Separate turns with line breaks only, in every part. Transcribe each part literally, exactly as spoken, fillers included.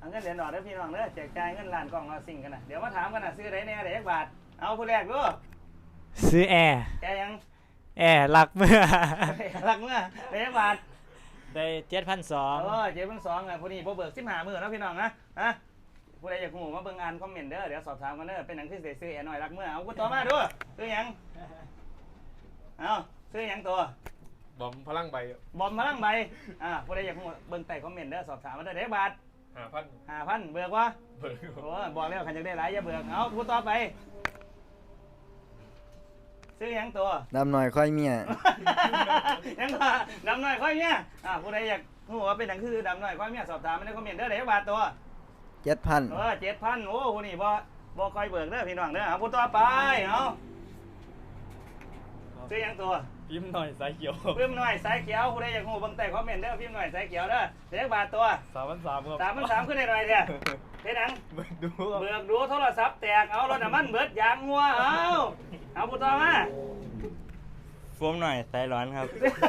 เอาเงินเหรียญดอกได้พี่น้องเด้อแจกจ่ายเงินล้านกล่องเราสิ่งกันนะเดี๋ยวมาถามกันนะซื้อได้แน่เด็กบาทเอาผู้แรกดู
ซื้อแอร์
แกยัง
แอร์รักเมื่อ
รักเมื่อเด็กบาท
ได้เจ็ดพันสอง
เออเจ็บเพิ่งสองไงผู้นี้พอเบิกสิบห้าหมื่นแล้วพี่น้องนะฮะผู้ใดอยากหูมาเบิ่งอ่านคอมเมนต์เด้อเดี๋ยวสอบถามกันเด้อเป็นหนังที่เสียซื้อแอร์หน่อยรักเมื่อเอากูต่อมาดูซื้อยังเอาซื้อยังตัว
บอมพลังใบบ
อมพลังใบอ่าผู้ใดอยากหูเบิ่งใต้คอมเมนต์เด้อสอบถามมาเด้อเด็กบาท
หาพัน
ห้าพันเบิกวะ
เบิก
โอ้บอกแล้วขันจะได้หลายอย่าเบิกเอาผู้ต่อไปซื้อยังตัว
ดำหน่อยค่อยเมีย
ยังก็ดำหน่อยค่อยเมียอ่าผู้ใดอยากหูว่าเป็นหนังคือดำหน่อยค่อยเมียสอบถามมาในคอมเมนต์เด้อเด็กบาทตัว
เจ็ดพัน
เออเจ็ดพันโอ้ผู้นี่บ่บ่คอยเบิกเด้อพี่น้องเด้อเอาผู้ต่อไปเอาซื้อยังตัว
พิมพ์หน่อยสายเขียว
พิมพ์หน่อยสายเขียวผู้ใดอยากหูเบิ่งใต้คอมเมนต์เด้อพิมพ์หน่อยสายเขียวเด้อเด็กบาทตัว
สามพันสามครับ
สามพันสามขึ้นได้หน่อยเด้อเฮ็ดหนัง
เบิกดูครับ
เบิกดูโทรศัพท์แตกเอารถน้ำมันเบิดยางงัวเอาเอาผู้ต่อมา
ฟมหน่อยสายร้อนครับ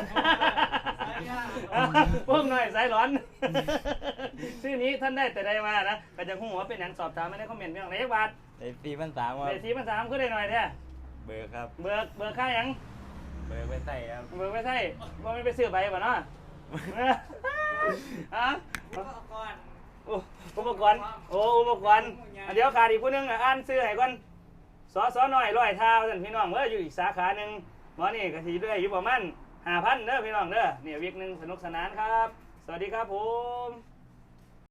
เพิ่มหน่อยสายร้อน ชื่อนี้ท่านได้แต่ใดมานะก็จะหูว่าเป็นหนังสอบถามไม่ได้คอมเมนต์เรื่องไหนบาท
ได้สี่พันสามครับ
เบสีมันสามขึ้นได้หน่อยเด้อ
เบอร์ครับ
เบิกเบิกค่าหยัง
เบอร์ไม่ใส่ครับ
เบิกไม่ใช่ว่าไม่ไปซื้อใบป่ะเนาะ อะอุปกรณ์โอ้อุปกรณ์อ่ะเดี๋ยวขาดอีกผู้หนึงอ่ะอ่านซื้อให้ก่อนสอสอหน่อยร้อยเท้าท่านพี่น้องเอออยู่อีกสาขาหนึ่งหมอนี่กะทีด้วยอยู่ประมาณห้าพันเด้อพี่น้องเด้อเนี่ยวิกหนึ่งสนุกสนานครับ สวัสดีครับผม